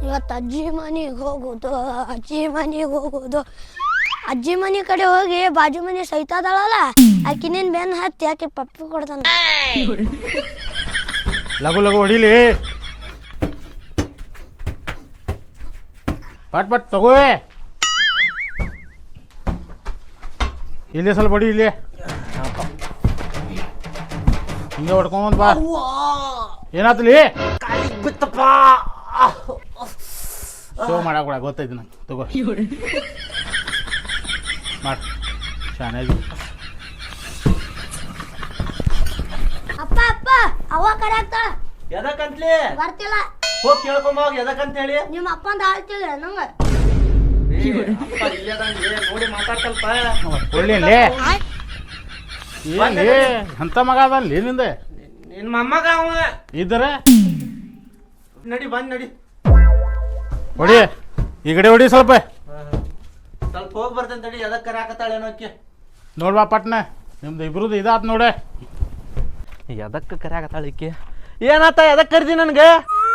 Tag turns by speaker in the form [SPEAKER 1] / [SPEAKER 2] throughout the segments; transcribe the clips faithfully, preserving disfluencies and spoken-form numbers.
[SPEAKER 1] ಇವತ್ತು ಅಜ್ಜಿ ಮನೆಗೆ ಹೋಗೋದು ಅಜ್ಜಿ ಮನೆಗೆ ಹೋಗೋದು ಅಜ್ಜಿ ಮನೆ ಕಡೆ ಹೋಗಿ ಬಾಜು ಮನೆ ಸೈತಾದಳಲ್ಲ ಆಕಿನೇನು ಬೆನ್ನು ಹತ್ತಿ ಆಕೆ ಪಪ್ಪಿ ಕೊಡ್ತಾನ.
[SPEAKER 2] ಲಗು ಲಗು ಹೊಡಿಲಿ, ಪಟ್ ಪಟ್ ತಗೋ. ಇಲ್ಲಿ ಸ್ವಲ್ಪ ಹೊಡಿ, ಇಲ್ಲಿ ಹಿಂಗೆ ಹೊಡ್ಕೊಂಡ್ ಬಾ. ಏನಾತಲಿ
[SPEAKER 3] ಬಿತ್ತಪ್ಪ,
[SPEAKER 2] ಶೋ ಮಾಡಾಕ ಗೊತ್ತೈತಿ ನಂಗೆ. ತಗೋ ಮಾಡ ಚೆನ್ನಾಗಿ.
[SPEAKER 1] ಅಪ್ಪ ಅಪ್ಪ ಅವ್ವ ಕರೆ ಆಗ್ತಾಳ.
[SPEAKER 3] ಎದಕ್ಕಂತ್ಲಿ
[SPEAKER 1] ಬರ್ತಿಲ್ಲ,
[SPEAKER 3] ಹೋಗಿ ಕೇಳ್ಕೊಂಬ ಎದಕ್ಕಂತ ಹೇಳಿ.
[SPEAKER 1] ನಿಮ್ಮ ಅಪ್ಪಂದ ಆಳ್ತಿಲ್ಲ ನಂಗೆ.
[SPEAKER 3] ನೋಡಿ ಮಾತಾಡ್ತಲ್ಪ.
[SPEAKER 2] ಒಳ್ಳೆ ಏನ್ಲಿ ಅಂತ ಮಗ ಅದಲ್ಲಿ ನಿಂದ
[SPEAKER 3] ನಿನ್ ಮೊಮ್ಮಗ ಅವ
[SPEAKER 2] ಇದ್ರೆ
[SPEAKER 3] ನಡಿ, ಬಂದ್ ನಡಿ.
[SPEAKER 2] ಹೊಡಿ ಈ ಕಡೆ ಹೊಡಿ ಸ್ವಲ್ಪ.
[SPEAKER 3] ಸ್ವಲ್ಪ ಹೋಗಿ ಬರ್ತೇನೆ ತಡಿ. ಎದಕ್ಕೆ ಕರಾಕತ್ತಾಳೇನೋ ಅಕ್ಕಿ.
[SPEAKER 2] ನೋಡ್ಬಾ ಪಟ್ನ, ನಿಮ್ದು ಇಬ್ರದ್ದು ಇದಾತ್ ನೋಡೆ.
[SPEAKER 3] ಎದಕ್ಕೆ ಕರಾಕತ್ತಾಳ ಈಕಿ? ಏನಾತ? ಎದಕ್ಕೆ ಕರ್ದಿ ನನ್ಗೆ?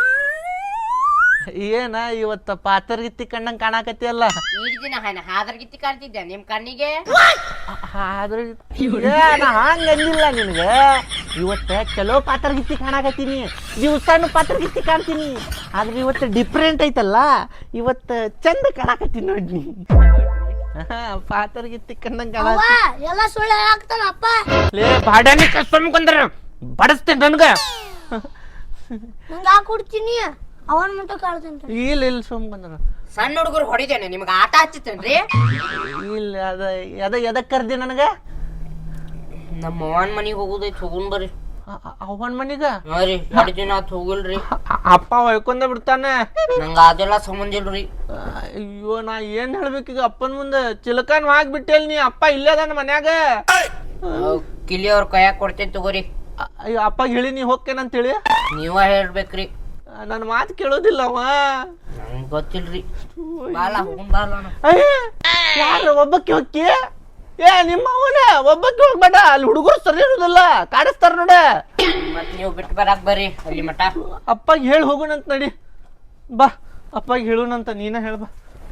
[SPEAKER 3] ಏನ ಇವತ್ತು ಪಾತರ್ಗಿತ್ತಿ ಕಣ್ಣಂಗೆ ಕಾಣಕತ್ತಿ ಅಲ್ಲ?
[SPEAKER 4] ದಿನ ಹಾದ್ರಗಿತ್ತಿ ಕಾಣ್ತಿದ್ದೆ ನಿಮ್ ಕಣ್ಣಿಗೆ.
[SPEAKER 3] ಆದ್ರೆ ನಾ ಹಂಗ ಅಂದಿಲ್ಲ ನಿನಗೆ. ಇವತ್ತು ಚಲೋ ಪಾತರ್ಗಿತ್ತಿ ಕಾಣಕತ್ತೀನಿ, ದಿವಸಾನು ಪಾತರ್ಗಿತ್ತಿ ಕಾಣ್ತೀನಿ. ಆದ್ರೆ ಇವತ್ತು ಡಿಫ್ರೆಂಟ್ ಐತಲ್ಲ, ಇವತ್ತು ಚಂದ ಕಾಣಕತ್ತೀನಿ ನೋಡ್ನಿ. ಪಾತರ್ಗಿತ್ತಿ ಕಣ್ಣಂಗೆ
[SPEAKER 1] ಅವ್ವ
[SPEAKER 3] ಕಾಣ.
[SPEAKER 1] ಎಲ್ಲ ಸುಳ್ಳು ಹೇಳಾಕ್ತಾನ ಅಪ್ಪ.
[SPEAKER 3] ಲೇ ಬಾಡಾನಿ ಕಸ್ಕೊಂಡ್ರ ಬಡಸ್ತೇನೆ ನನ್ಗೆ.
[SPEAKER 1] ನಂಗೆ ಹಾಕಿ ಕೊಡ್ತೀನಿ, ಅವನ್ ಮುಟ್ಟ ಕಾಳ್ತೇನೆ.
[SPEAKER 3] ಇಲ್ಲ ಇಲ್ಲ ಸೋಮ್ಕಂದ್ರ
[SPEAKER 4] ಸಣ್ಣ ಹುಡುಗರು ಹೊಡಿದೇನೆ ನಿಮ್ಗೆ ಆಟ ಹಚ್ಚಿತ್ತೇನ್ರಿ?
[SPEAKER 3] ಇಲ್ಲ ಅದ ಎದ ಎದಕ್ ಕರ್ದಿ ನನಗೆ?
[SPEAKER 4] ನಮ್ಮ ಅವ್ವನ್ ಮನಿಗೆ ಹೋಗುದೈತಿ, ಹೋಗುನ್ ಬರ್ರಿ.
[SPEAKER 3] ಅವನ್ ಮನಿಗ
[SPEAKER 4] ಹಾ ರೀ, ಎರಡು ದಿನ ಆತ್ ಹೋಗಿಲ್ರಿ.
[SPEAKER 3] ಅಪ್ಪ ಹೊಯ್ಕೊಂಡ ಬಿಡ್ತಾನೆ.
[SPEAKER 4] ನಂಗ ಅದೆಲ್ಲ ಸಂಬಂಧ ಇಲ್ರಿ.
[SPEAKER 3] ಅಯ್ಯೋ ನಾ ಏನ್ ಹೇಳ್ಬೇಕೀಗ ಅಪ್ಪನ ಮುಂದೆ? ಚಿಲಕನ್ ಹಾಕ್ಬಿಟ್ಟೇಲ್ ನೀ. ಅಪ್ಪ ಇಲ್ಲೇ ಅದಾನ ಮನ್ಯಾಗ.
[SPEAKER 4] ಕಿಲಿ ಅವ್ರ ಕೈಯಾಗ ಕೊಡ್ತೇನೆ ತಗೋರಿ.
[SPEAKER 3] ಅಯ್ಯೋ ಅಪ್ಪ ಹೇಳಿ ನೀ ಹೋಗ್ಕೇನಂತೇಳಿ
[SPEAKER 4] ನೀವ ಹೇಳ್ಬೇಕ್ರಿ.
[SPEAKER 3] ನನ್ನ ಮಾತು ಕೇಳೋದಿಲ್ಲ ಅವ.
[SPEAKER 4] ನಂಗೆ ಗೊತ್ತಿಲ್ರಿ. ಬಾಲ ಹೋಗುನ್ ಬಾಲ.
[SPEAKER 3] ಯಾರು ಒಬ್ಬಕ್ಕೆ ಹೋಗಿ? ಏ ನಿಮ್ಮ ಅವನ ಒಬ್ಬಕ್ಕೆ ಹೋಗ್ಬೇಡ, ಅಲ್ಲಿ ಹುಡುಗರು ಸರಿ ಇರೋದಿಲ್ಲ, ಕಾಡಿಸ್ತಾರ ನೋಡ.
[SPEAKER 4] ಮತ್ ನೀವು ಬಿಟ್ಟು ಬರಾಕ್ ಬರ್ರಿ ಅಲ್ಲಿ ಮಠ.
[SPEAKER 3] ಅಪ್ಪಗೆ ಹೇಳಿ ಹೋಗೋಣಂತ ನಡಿ ಬಾ. ಅಪ್ಪಗೆ ಹೇಳೋಣಂತ ನೀನ ಹೇಳ್ಬಾ.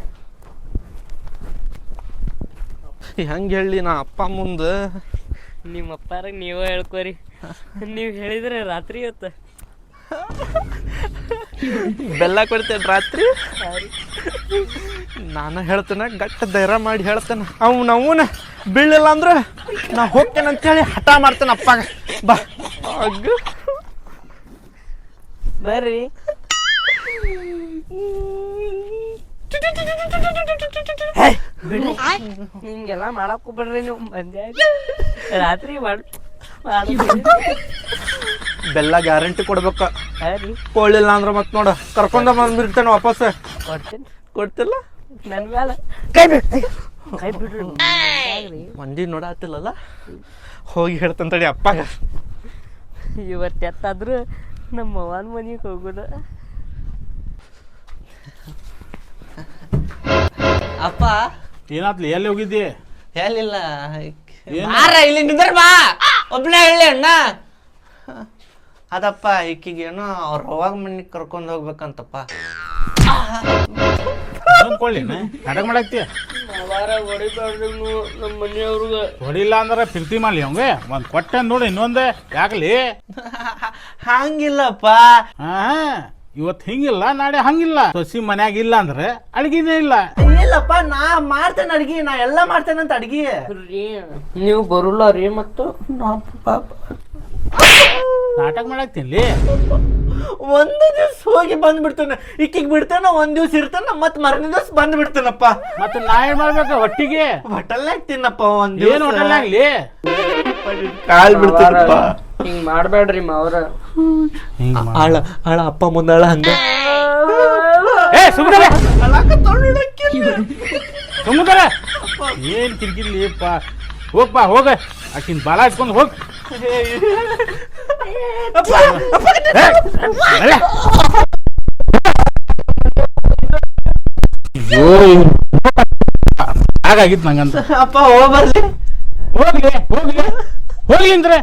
[SPEAKER 3] ಹೆಂಗೆ ಹೇಳಿ ನಾ ಅಪ್ಪ ಮುಂದೆ?
[SPEAKER 4] ನಿಮ್ಮ ಅಪ್ಪಾರ ನೀವ ಹೇಳ್ಕೊರಿ. ನೀವು ಹೇಳಿದ್ರೆ ರಾತ್ರಿ ಇವತ್ತು
[SPEAKER 3] ಬೆಲ್ಲ ಕೊಡ್ತೇನೆ ರಾತ್ರಿ. ನಾನು ಹೇಳ್ತೇನೆ, ಗಟ್ಟ ಧೈರ್ಯ ಮಾಡಿ ಹೇಳ್ತೇನೆ. ಅವ್ನ ಅವನ ಬೀಳಿಲ್ಲ ಅಂದ್ರೆ ನಾ ಹೋಗ್ತೇನೆ ಅಂತೇಳಿ ಹಠ ಮಾಡ್ತೇನೆ ಅಪ್ಪಾಗ. ಬಾ ಅಗ್ಗ
[SPEAKER 4] ಬರ್ರಿ. ನಿಮ್ಗೆಲ್ಲ ಮಾಡಕ್ ಹೋಗ್ಬೇಡ್ರಿ ನೀವು. ಮಂದ್ಯ ರಾತ್ರಿ ಮಾಡ್
[SPEAKER 3] ಬೆಲ್ಲ ಗ್ಯಾರಂಟಿ ಕೊಡ್ಬೇಕ.
[SPEAKER 4] ರೀ
[SPEAKER 3] ಕೊಡ್ಲಿಲ್ಲ ಅಂದ್ರೆ ಮತ್ ನೋಡ ಕರ್ಕೊಂಡ ಬಂದ್ಬಿಡ್ತೇನೆ ವಾಪಸ್.
[SPEAKER 4] ಕೊಡ್ತೇನೆ.
[SPEAKER 3] ಕೊಡ್ತಿಲ್ಲ
[SPEAKER 4] ನನ್ ಮೇಲೆ ಕೈ ಬಿಡ್ರಿ, ಕೈ ಬಿಡ್ರಿ.
[SPEAKER 3] ಮಂದಿ ನೋಡಾತಿಲ್ಲಲ್ಲ, ಹೋಗಿ ಹೇಳ್ತೇನೆ ತಡಿ ಅಪ್ಪಾಗ.
[SPEAKER 4] ಇವತ್ತು ಎತ್ತಾದ್ರು ನಮ್ಮ ಅವ್ವನ ಮನೆಗೆ ಹೋಗೋಣ.
[SPEAKER 3] ಅಪ್ಪ
[SPEAKER 2] ಏನಾತ್ಲಿ, ಎಲ್ಲಿ ಹೋಗಿದ್ದಿ?
[SPEAKER 3] ಹೇಳಿಲ್ಲ. ಬಾರ ಇಲ್ಲಿ ನಿಂದ್ರ ಬಾ, ಒಬ್ನೇ ಹೇಳಿ ಅಣ್ಣ. ಅದಪ್ಪ ಈಕಿಗೆ ಏನೋ ಅವ್ರ ಅವಾಗ ಮನೆಗೆ ಕರ್ಕೊಂಡು ಹೋಗ್ಬೇಕಂತಪ್ಪ.
[SPEAKER 2] ಕೊಳ್ಳಿ ನಾಟಕ ಮಾಡಾಕ್ತಿ.
[SPEAKER 4] ಹೊಡಿಬ್ಯಾಡ್ರಿ ನೀವು ನಮ್ಮ ಮನೆಯವ್ರಿಗೆ.
[SPEAKER 2] ಹೊಡಿಲ್ಲ ಅಂದ್ರೆ ಪ್ರೀತಿ ಮಾಡ್ಲಿ ಅವಂಗೆ ಒಂದ್ ಕೊಟ್ಟೆ ನೋಡಿ ಇನ್ನೊಂದೇ ಯಾಕಲಿ?
[SPEAKER 3] ಹಂಗಿಲ್ಲಪ್ಪ.
[SPEAKER 2] ಹಾ ಇವತ್ತು ಹಿಂಗಿಲ್ಲ, ನಾಳೆ ಹಂಗಿಲ್ಲ. ಸೊಸಿ ಮನ್ಯಾಗ ಇಲ್ಲ ಅಂದ್ರೆ ಅಡ್ಗಿನೇ ಇಲ್ಲ.
[SPEAKER 3] ಇಲ್ಲಪ್ಪ, ನಾ ಮಾಡ್ತೇನೆ ಅಡ್ಗಿ, ನಾ ಎಲ್ಲಾ ಮಾಡ್ತೇನಂತ ಅಡ್ಗಿ.
[SPEAKER 4] ನೀವು ಬರುಲ್ಲ ರೀ. ಮತ್ತು
[SPEAKER 2] ನಾಟಕ ಮಾಡಾಕ್ತೀನಿ.
[SPEAKER 3] ಒಂದು ದಿವ್ಸ ಹೋಗಿ ಬಂದ್ಬಿಡ್ತೇನೆ, ಈಕಿಗೆ ಬಿಡ್ತೇನೆ, ಒಂದ್ ದಿವ್ಸ ಇರ್ತೇನೆ, ಮತ್ ಮರನೇ ದಿವ್ಸ ಬಂದ್ ಬಿಡ್ತೇನಪ್ಪ.
[SPEAKER 2] ಮತ್ತೆ ನಾ ಏನ್ ಮಾಡ್ಬೇಕ? ಒಟ್ಟಿಗೆ
[SPEAKER 3] ಹೋಟೆಲ್ ಹಾಕ್ತೀನಪ್ಪ. ಒಂದ್
[SPEAKER 2] ಏನ್ ಹೋಟೆಲ್ ಆಗ್ಲಿ?
[SPEAKER 3] ಕಾಲ್ ಬಿಡ್ತೇನಪ್ಪ.
[SPEAKER 4] ಹಿಂಗ್ ಮಾಡ್ಬೇಡ್ರಿ ಮಾವ್ರ.
[SPEAKER 3] ಆಳ ಆಳ ಅಪ್ಪ ಮುಂದಾಳ ಹಂಗ.
[SPEAKER 2] ಏ ಸುಮ್ಮನೆ ಸುಮ್ಮನೆ ಏನ್ ಕಿರ್ಕಿರ್ಲಿಪ್ಪ. ಹೋಗ್ಪಾ ಹೋಗ, ಆಕಿನ್ ಬಾಲ ಹಚ್ಕೊಂಡ್ ಹೋಗ್. ಹಾಗಾಗಿತ್ತು ನಂಗಂತ.
[SPEAKER 3] ಅಪ್ಪ ಹೋಗ್ಬರ್ಲಿ.
[SPEAKER 2] ಹೋಗ್ಲಿ ಹೋಗ್ಲಿ ಹೋಗ್ಲಿ ಅಂದ್ರೆ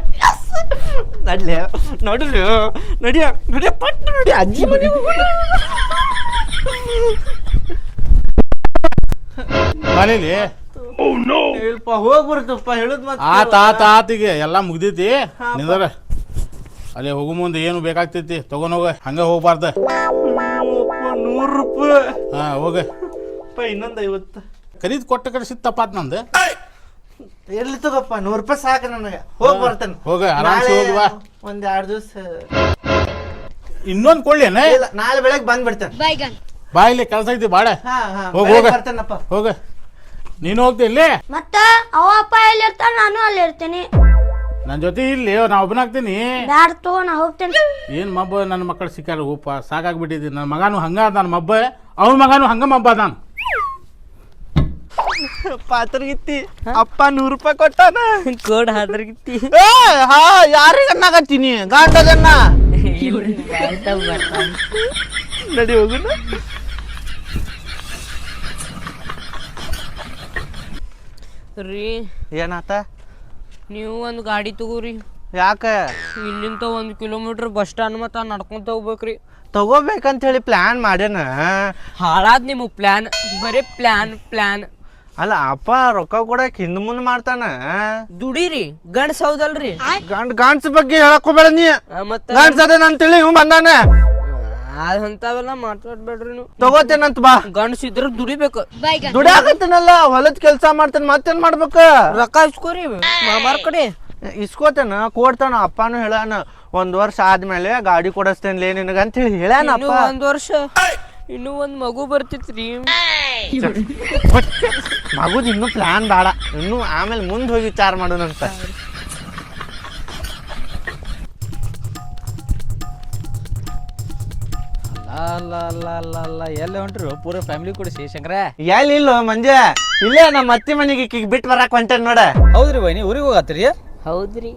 [SPEAKER 3] ನಡ್ಲಿ ನೋಡ್ರಿ, ನಡಿಯ ನಡಿಯ ಪಟ್ ನಡಿ ಅಜ್ಜಿ ಮನೆ ಹೋಗೋಣ.
[SPEAKER 2] ಬಾಲಿಲಿ
[SPEAKER 3] ಇಲ್ಪ ಹೋಗಿ ಬರ್ತಪ್ಪ ಹೇಳುದ್ ಮತ್ತೆ
[SPEAKER 2] ಆತ ಆತ ಆತಿಗೆ ಎಲ್ಲ ಮುಗ್ದೈತಿ ನಿಂದ್ರ ಅಲ್ಲಿ ಹೋಗು ಮುಂದೆ ಏನು ಬೇಕಾಗ್ತೈತಿ ತಗೊಂಡ್ ಹೋಗ ಹಂಗ ಹೋಗ್ಬಾರ್ದ
[SPEAKER 3] ನೂರು ರೂಪಾಯಿ
[SPEAKER 2] ಹಾ ಹೋಗ
[SPEAKER 3] ಇನ್ನೊಂದು ಐವತ್ತು
[SPEAKER 2] ಖರೀದ್ ಕೊಟ್ಟ ಕಡೆ ತಪ್ಪಾತ್ ನಂದು
[SPEAKER 3] ಎಲ್ಲಿ ತಗೋಪ್ಪ ನೂರು ರೂಪಾಯಿ ಸಾಕು ನನಗೆ ಹೋಗಿ ಬರ್ತೇನೆ
[SPEAKER 2] ಹೋಗ ಆರಾಮ್ಸೆ ಹೋಗಿ ಬಾ
[SPEAKER 3] ಒಂದ್ ಎರಡು ದಿವಸ
[SPEAKER 2] ಇನ್ನೊಂದ್ ಕೊಳ್ಳೇನ
[SPEAKER 3] ಇಲ್ಲ ನಾಳೆ ಬೆಳಗ್ಗೆ ಬಂದ್ಬಿಡ್ತೇನೆ
[SPEAKER 1] ಬೈಗನ್
[SPEAKER 2] ಬಾ ಇಲ್ಲಿ ಕೆಲಸ ಐತಿ ಬಾಡ
[SPEAKER 3] ಹಾ ಹಾ
[SPEAKER 2] ಹೋಗ್
[SPEAKER 3] ಬೆಳಗ್ಗೆ
[SPEAKER 2] ಹೋಗ.
[SPEAKER 3] ಬರ್ತೇನಪ್ಪ
[SPEAKER 2] ಹೋಗ ನೀನು ಹೋಗ್ತಿ ಇಲ್ಲಿ
[SPEAKER 1] ಮತ್ತ ಅವ ಅಪ್ಪ ಎಲ್ಲಿ ಇರ್ತಾರ ನಾನು ಅಲ್ಲಿ ಇರ್ತೀನಿ
[SPEAKER 2] ನನ್ನ ಜೊತೆ ಇಲ್ಲಿ ನಾ ಒಬ್ಬನಾಗ್ತೀನಿ
[SPEAKER 1] ಬ್ಯಾಡ ತಗೋ ನಾ ಹೋಗ್ತೇನೆ
[SPEAKER 2] ಏನ್ ಮಬ್ಬ ನನ್ನ ಮಕ್ಕಳು ಸಿಕ್ಕಾರ ಉಪ್ಪ ಸಾಕಾಗ್ಬಿಟ್ಟಿದ್ದಿ ನನ್ನ ಮಗನು ಹಂಗ ಅದಾನ ಮಬ್ಬ ಅವನ ಮಗನು ಹಂಗ ಮಬ್ಬ ಅದಾನ
[SPEAKER 3] ಪಾತ್ರಗಿತ್ತಿ ಅಪ್ಪ ನೂರು ರೂಪಾಯಿ ಕೊಟ್ಟಾನ
[SPEAKER 4] ಕೋಡ್ ಹಾದ್ರಗಿತ್ತಿ
[SPEAKER 3] ಏ ಹಾ ಯಾರಿಗೆ ಅನ್ನಾಗತ್ತೀನಿ ಗಾಂಡದನ್ನ ನಡಿ ಹೋಗುನ
[SPEAKER 4] ರೀ
[SPEAKER 3] ಏನಾತ
[SPEAKER 4] ನೀವು ಒಂದು ಗಾಡಿ ತಗೋರಿ
[SPEAKER 3] ಯಾಕ
[SPEAKER 4] ಇಲ್ಲಿಂದ ಒಂದು ಕಿಲೋಮೀಟರ್ ಬಸ್ ಸ್ಟ್ಯಾಂಡ್ ಮತ್ತ ನಡ್ಕೊಂತ ಹೋಗ್ಬೇಕ್ರಿ
[SPEAKER 3] ತಗೋಬೇಕಂತ ಹೇಳಿ ಪ್ಲಾನ್ ಮಾಡ್ಯಾನ
[SPEAKER 4] ಹಾಳಾದ್ ನಿಮಗೆ ಪ್ಲಾನ್ ಬರೀ ಪ್ಲಾನ್ ಪ್ಲಾನ್
[SPEAKER 3] ಅಲ್ಲ ಅಪ್ಪ ರೊಕ್ಕ ಕೊಡಕ್ ಹಿಂದ್ ಮುಂದ್ ಮಾಡ್ತಾನ
[SPEAKER 4] ದುಡೀರಿ ಗಂಡ್ಸ್ ಹೌದಲ್ರಿ
[SPEAKER 3] ಗಂಡ್ ಗಾಂಡ್ಸ್ ಬಗ್ಗೆ ಹೇಳಕ್ ಹೋಗ್ಬೇಡ ನೀ
[SPEAKER 4] ಆ, ಮತ್ತ
[SPEAKER 3] ಗಾಂಡ್ಸ್ ಅದೇನ ಅಂತೇಳಿ ಇವ್ ಬಂದಾನ
[SPEAKER 4] ಅದಂತಾವೆಲ್ಲ ಮಾತಾಡ್ಬೇಡ್ರಿ ನೀವು
[SPEAKER 3] ತಗೋತೇನಂತ ಬಾ
[SPEAKER 4] ಗಂಡ್ಸ್ ಇದ್ರ ದುಡಿಬೇಕು
[SPEAKER 3] ದುಡಿಯಾಕತ್ತೇನಲ್ಲ ಹೊಲದ ಕೆಲ್ಸ ಮಾಡ್ತೇನೆ ಮತ್ತೇನ್ ಮಾಡ್ಬೇಕ
[SPEAKER 4] ರೊಕ್ಕ ಇಸ್ಕೋರಿ ಮಾಮಾರ್ ಕಡೆ
[SPEAKER 3] ಇಸ್ಕೋತೇನ ಕೊಡ್ತಾನ ಅಪ್ಪನು ಹೇಳಾನ ಒಂದ್ ವರ್ಷ ಆದ್ಮೇಲೆ ಗಾಡಿ ಕೊಡಸ್ತೇನ್ಲೇ ನಿನಗ ಅಂತ ಹೇಳಿ ಹೇಳಾನ
[SPEAKER 4] ಇನ್ನು
[SPEAKER 3] ಅಪ್ಪ
[SPEAKER 4] ಒಂದ್ ವರ್ಷ ಇನ್ನು ಒಂದ್ ಮಗು ಬರ್ತಿತ್ರಿ
[SPEAKER 3] ಮಗುದ್ ಇನ್ನು ಪ್ಲಾನ್ ಬೇಡ ಇನ್ನು ಆಮೇಲೆ ಮುಂದ್ ಹೋಗಿ ವಿಚಾರ ಮಾಡೋಣಂತ
[SPEAKER 5] ಅಲ್ಲ ಅಲ್ಲ ಅಲ್ಲ ಅಲ್ಲ ಎಲ್ಲ ಹೊಂಟ್ರು ಪೂರ ಫ್ಯಾಮಿಲಿ ಕೂಡ ಶಂಕರ
[SPEAKER 3] ಎಲ್ಲಿ ಇಲ್ಲ ಮಂಜ ಇಲ್ಲೇ ನಮ್ಮ ಅತ್ತಿ ಮನೆಗೆ ಈಕಿಗೆ ಬಿಟ್ಟು ಬರಾಕ್ ಹೊಂಟೇನ್ ನೋಡ
[SPEAKER 5] ಹೌದ್ರಿ ಬೈನಿ ಊರಿಗೆ ಹೋಗತ್ತೀರಿ
[SPEAKER 4] ಹೌದ್ರಿ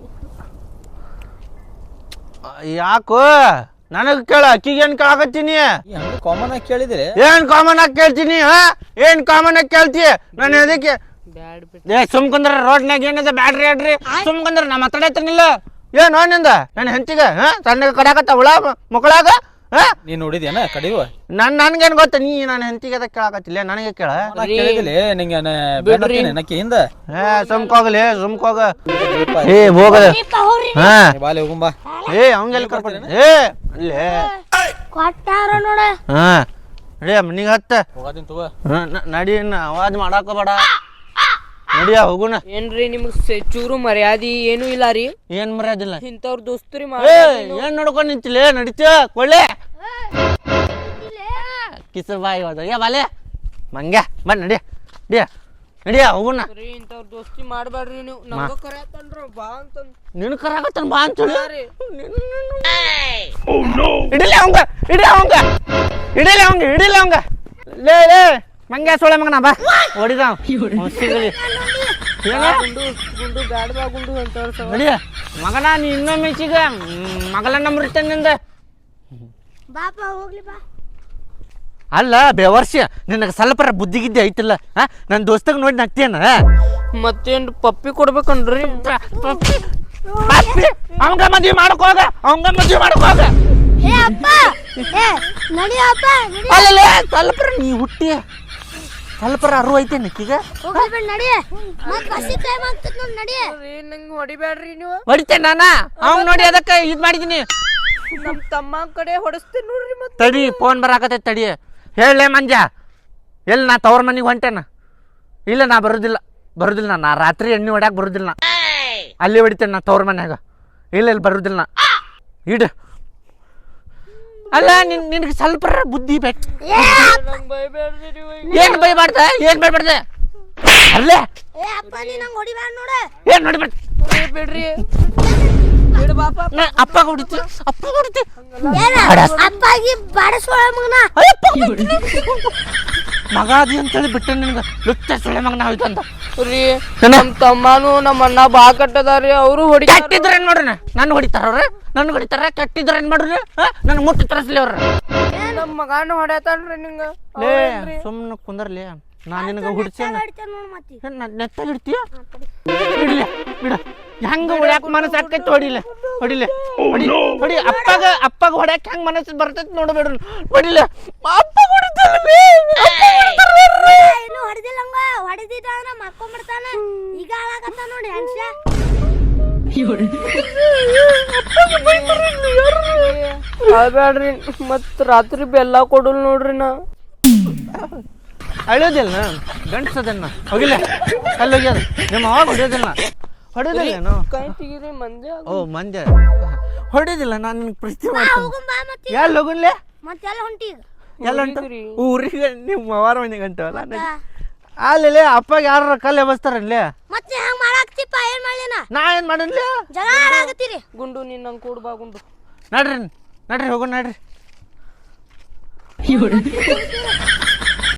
[SPEAKER 3] ಯಾಕೋ ನನಗ್ ಕೇಳ ಅಕ್ಕಿಗೆ ಏನ್ ಕೇಳಾಕತ್ತೀನಿ
[SPEAKER 5] ಹಂಗ ಕಾಮನ್ ಆಗಿ ಕೇಳಿದ್ರಿ
[SPEAKER 3] ಏನ್ ಕಾಮನ್ ಆಗಿ ಕೇಳ್ತೀನಿ ಹಾ ಏನ್ ಕಾಮನ್ ಆಗಿ ಕೇಳ್ತಿ ನಾನು ಅದಕ್ಕೆ
[SPEAKER 4] ಬ್ಯಾಡ್ ಬಿಟ್
[SPEAKER 3] ಏ ಸುಮ್ಕಂದ್ರ ರೋಡ್ನಾಗ ಏನಿದೆ ಬ್ಯಾಡ್ರಿ ಆಡ್ರಿ ಸುಮ್ಕಂದ್ರ ನಾ ಮಾತಾಡತ್ತೀನಿಲ್ಲ ಏನ್ ನಿಂದ ನನ್ನ ಹೆಂಡತಿಗ ಹಾ ಸಣ್ಣ ಕಡಾಕತ್ತ ಹುಳ ಮಕ್ಕಳಾಗ ಹಾ
[SPEAKER 5] ನೀನ್ ನೋಡಿದ್ಯಾನ ಕಡಿವ
[SPEAKER 3] ನನ್ ನನ್ಗೇನ್ ಗೊತ್ತ ನೀ ನನ್ನ ಹೆಂಡತಿಗೆ ಅದಕ್ಕೆ ಕೇಳಾಕತ್ತಿಲ್ಲ ನನಗೆ ಕೇಳ
[SPEAKER 5] ಕೇಳಿದಿಲ್ಲ ನಿಂಗೆ ನಕ್ಕಿಯಿಂದ
[SPEAKER 3] ಏ ಸುಮ್ಕೋಗ್ಲಿ ಸುಮ್ಕೋಗ ಏ ಹೋಗದ ಹಾ
[SPEAKER 5] ಬಾಲೆ ಹೋಗುಂಬಾ
[SPEAKER 3] ಏ ಅವಂಗೆಲ್ಲ ಕರ್ಕೊಂಡು ಏ ಅಲ್ಲೇ
[SPEAKER 1] ಕೊಟ್ಟಾರ ನೋಡ
[SPEAKER 3] ಹಾ ನಡಿಯ ಮನಿಗೆ ಹತ್ತ
[SPEAKER 5] ಹೋಗೋದಿನ್ ತಗೋ
[SPEAKER 3] ಹಾ, ನ- ನಡಿ ಇನ್ನ ಅವಾಜ್ ಮಾಡಾಕೋಬೇಡ ನಡಿಯ ಹೋಗುಣ
[SPEAKER 4] ಏನ್ರಿ ನಿಮ್ಗ್ ಸೆ- ಚೂರು ಮರ್ಯಾದಿ ಏನು ಇಲ್ಲ ರೀ
[SPEAKER 3] ಏನ್ ಮರ್ಯಾದಿಲ್ಲ
[SPEAKER 4] ಇಂಥವ್ರ ದೋಸ್ತರಿ
[SPEAKER 3] ಏ ಏನ್ ನೋಡ್ಕೊಂಡ್ ನಿಂತಿಲ್ಲ ನಡಿತೀಯ ಕೊಳ್ಳೆ ಕಿಸ ಬಾಯಿ ಹೋದ ಏ ಬಾಲೆ ಮಂಗ್ಯ ಬನ್ ನಡಿಯ ನಡಿಯ ನಡಿಯ ಹೋಗುಣ
[SPEAKER 4] ಮಾಡ್ರಿ ಇಂಥವ್ರ ದೋಸ್ತಿ ಮಾಡ್ಬೇಡ್ರಿ ನೀವು ನಮ್ಗ ಕರ್ಯಾತನ್ರ ಬಾ ಅಂತಂದ್
[SPEAKER 3] ನಿನ್ ಕರಾಕತ್ತನ ಬಾ ಅಂತ
[SPEAKER 4] ರೀ.
[SPEAKER 3] ಇಡಲಿ ಅವಂಗ ಇಡಿ ಅವಂಗ ಇಡಲಿ ಅವಂಗ ಇಡಿಲಿ ಅವಂಗ ಲೇ ಲೇ ಮಂಗ್ಯ ಸೊಳೆ ಮಗನ ಬಾ ಹೊಡಿದ ಸಿಗಲಿ
[SPEAKER 4] ಗುಂಡು ಗುಂಡು ಬ್ಯಾಡ್ ಬಾ ಗುಂಡು ಅಂತವ್ರ ಸವ
[SPEAKER 3] ನಡಿಯ ಮಗನ ನೀ ಇನ್ನೊಮ್ಮೆ ಸಿಗ ಮಗಳನ್ನ ಮರಿತೇನಿಂದ
[SPEAKER 1] ಬಾಪ ಹೋಗ್ಲಿ ಬಾ
[SPEAKER 3] ಅಲ್ಲ ಬೇವರ್ಷ ನಿನಗೆ ಸ್ವಲ್ಪರ ಬುದ್ಧಿ ಗಿದ್ದಿ ಐತಿಲ್ಲ ಹಾ ನನ್ನ ದೋಸ್ತಗ ನೋಡಿ ನಗ್ತೇನ
[SPEAKER 4] ಮತ್ತೇನ್ ಪಪ್ಪಿ ಕೊಡ್ಬೇಕನ್ರಿ
[SPEAKER 3] ಅವಂಗ ಮದ್ವಿ ಮಾಡಕೋಗ ಅವಂಗ ಮದ್ವಿ ಮಾಡಕೋಗ
[SPEAKER 1] ಏ ಅಪ್ಪ ಏ ನಡಿ ಅಪ್ಪ ನಡಿ
[SPEAKER 3] ಅಲ್ಲ ಸ್ವಲ್ಪರ ನೀ ಹುಟ್ಟಿ ಸ್ವಲ್ಪರ ಅರು ಐತೆ ನಕ್ಕೀಗ
[SPEAKER 1] ಹೋಗ್ಲಿ ಬಿಡ್ ನಡಿ ಮತ್ ಬಸ್ಸಿ ಟೈಮ್ ಆಗ್ತದ ನೋಡ್ ನಡಿ
[SPEAKER 4] ನಂಗೆ ಹೊಡಿಬ್ಯಾಡ್ರಿ ನೀವು
[SPEAKER 3] ಹೊಡಿತೇನೆ ನಾನ ಅವಂಗ ನೋಡಿ ಅದಕ್ಕೆ ಇದ್ ಮಾಡಿದೀನಿ
[SPEAKER 4] ನಮ್ ತಮ್ಮ ಕಡೆ ಹೊಡಸ್ತೀನಿ ನೋಡ್ರಿ ಮತ್ತೆ
[SPEAKER 3] ತಡಿ ಫೋನ್ ಬರಾಕತೈತಿ ತಡಿ ಹೇಳಲೇ ಮಂಜ ಎಲ್ಲಿ ನಾ ತವ್ರ ಮನೆಗೆ ಹೊಂಟೇನ ಇಲ್ಲ ನಾ ಬರೋದಿಲ್ಲ ಬರೋದಿಲ್ಲ ನಾ ರಾತ್ರಿ ಎಣ್ಣೆ ಹೊಡ್ಯಾಕ ಬರೋದಿಲ್ಲ ನಾ ಅಲ್ಲಿ ಹೊಡಿತೇನೆ ನಾ ತವ್ರ ಮನ್ಯಾಗ ಇಲ್ಲ ಇಲ್ಲಿ ಬರೋದಿಲ್ಲ ನಾ ಇಡ ಅಲ್ಲ ನಿನ್ ನಿನಗೆ ಸ್ವಲ್ಪ ಬುದ್ಧಿ ಬೇಕು
[SPEAKER 4] ನಂಗೆ ಬೈಬ್ಯಾಡ್ರಿ ನೀವು
[SPEAKER 3] ಏನ್ ಬೈಬಾರ್ದ ಏನ್ ಬೈಬಾರ್ದ ಅಲ್ಲೇ
[SPEAKER 1] ಏ ಅಪ್ಪ ನೀ ನಂಗೆ ಹೊಡಿಬ್ಯಾಡ ನೋಡ
[SPEAKER 3] ಏನ್ ನೋಡಿಬಾರ್ದು
[SPEAKER 4] ಬಿಡ್ರಿ ಬಿಡ್ ಬಾಪ
[SPEAKER 3] ನಾ ಅಪ್ಪ ಹೊಡಿತಿ ಅಪ್ಪ ಹೊಡಿತಿ
[SPEAKER 1] ಏನ ಅಪ್ಪಾಗಿ ಬಾಡಸೋಳ ಮಗನ
[SPEAKER 3] ಮಗ ಅದಿ ಅಂತೇಳಿ ಬಿಟ್ಟೆ ನಿನ್ಗೆ ಲುಚ್ಚ ಸೊಳ್ಳೆ ಮಗನ ಹೋಯ್ತು ಅಂತ
[SPEAKER 4] ರೀ ನಮ್ ತಮ್ಮನು ನಮ್ಮ ಅಣ್ಣ ಬಾ ಕಟ್ಟದಾರಿ ಅವರು ಹೊಡಿ
[SPEAKER 3] ಕೆಟ್ಟಿದ್ರ ಏನ್ ಮಾಡ್ರಿ ನನ್ ಹೊಡಿತಾರ ಅವ್ರ ನನ್ ಹೊಡಿತಾರ ಕೆಟ್ಟಿದ್ರ ಏನ್ ಮಾಡ್ರಿ ನನ್ ಮುಟ್ಟಿ ತರಸ್ಲಿ ಅವ್ರ
[SPEAKER 4] ನಮ್ ಮಗಾನು ಹೊಡ್ಯಾತಾನ್ರಿ ನಿಂಗ
[SPEAKER 3] ಲೇ ಸುಮ್ಮನೆ ಕುಂದರ್ಲಿ ನಾ ನಿನಗ ಹುಡ್ಸೇನ
[SPEAKER 1] ನೋಡ್ ಮತ್ತಿ
[SPEAKER 3] ನೆತ್ತಾಗ ಇಡ್ತೀಯ ಇಡ್ಲಿ ಬಿಡ ಹೆಂಗ ಹೊಡ್ಯಾಕ ಮನಸ್ಸು ಆಕೈತಿ ಹೊಡಿಲೆ ಹೊಡಿಲೆ ಹೊಡಿ ಹೊಡಿ ಅಪ್ಪಗ ಅಪ್ಪಗ ಹೊಡ್ಯಾಕ ಹೆಂಗ್ ಮನಸ್ಸು ಬರ್ತೈತಿ ನೋಡಬೇಡ್ರಿ ಹೊಡಿಲೆ ಅಪ್ಪ ಹೊಡಿತಾನೆ
[SPEAKER 1] ಏನು ಹೊಡೆದಿಲ್ಲ ಹಂಗ ಹೊಡೆದಿದ್ದ ಅಂದ್ರೆ ಮಕ್ಕೊಂಡ್ಬಿಡ್ತಾನ ಈಗ ಹಾಳಾಗತ್ತ ನೋಡಿ ಹಂಸ
[SPEAKER 4] ಅಳ್ಬ್ಯಾಡ್ರಿ ಮತ್ ರಾತ್ರಿ ಬೆಲ್ಲ ಕೊಡಲ್ ನೋಡ್ರಿ ನಾ
[SPEAKER 3] ಅಳೋದಿಲ್ಲ ಗಂಡ್ಸದನ್ನ ಹೋಗಿಲ್ಲ ಅಲ್ಲಿ ಹೋಗ್ಯದ ನಿಮ್ಮ ಅವಾಗ ಹೊಡಿಯೋದಿಲ್ಲ ಹೊಡೆಯೋದಿಲ್ಲ
[SPEAKER 4] ಕೈ ತೆಗೀರಿ ಮಂದಿ
[SPEAKER 3] ಓ ಮಂಜ ಹೊಡೆಯೋದಿಲ್ಲ ನಾನು ನಿಮ್ಗೆ ಪ್ರೀತಿ ಮಾಡ್ತೀನಿ
[SPEAKER 1] ಹೋಗುಂಬಾ ಮತ್ತೆ
[SPEAKER 3] ಎಲ್ಲಿ ಹೋಗುನ್ಲೆ
[SPEAKER 1] ಮತ್ತೆಲ್ಲ ಹೊಂಟಿ ಈಗ
[SPEAKER 3] ಎಲ್ಲ ಹೊಂಟ ಊರಿಗೆ ನಿಮ್ಮ ಅವಾರ ಮನೆ ಗಂಟವಲ್ಲ ಅಲ್ಲಿ ಅಪ್ಪಗೆ ಯಾರ ಕಲ್ಲು ಎಬಸ್ತಾರಲ್ಲೇ
[SPEAKER 1] ಮತ್ತೆ ಹಂಗ ಮಾಡಾಕ್ತಿಪ್ಪ ಏನ್ ಮಾಡ್ಲಿನ
[SPEAKER 3] ನಾ ಏನ್ ಮಾಡನ್ಲಿ
[SPEAKER 1] ಜಗಳ ಆಡಾಕತ್ತೀರಿ
[SPEAKER 4] ಗುಂಡು ನೀನ್ ನಂಗೆ ಕೂಡ್ ಬಾ ಗುಂಡು
[SPEAKER 3] ನಡ್ರಿ ನಡ್ರಿ ಹೋಗೋಣ ನಡ್ರಿ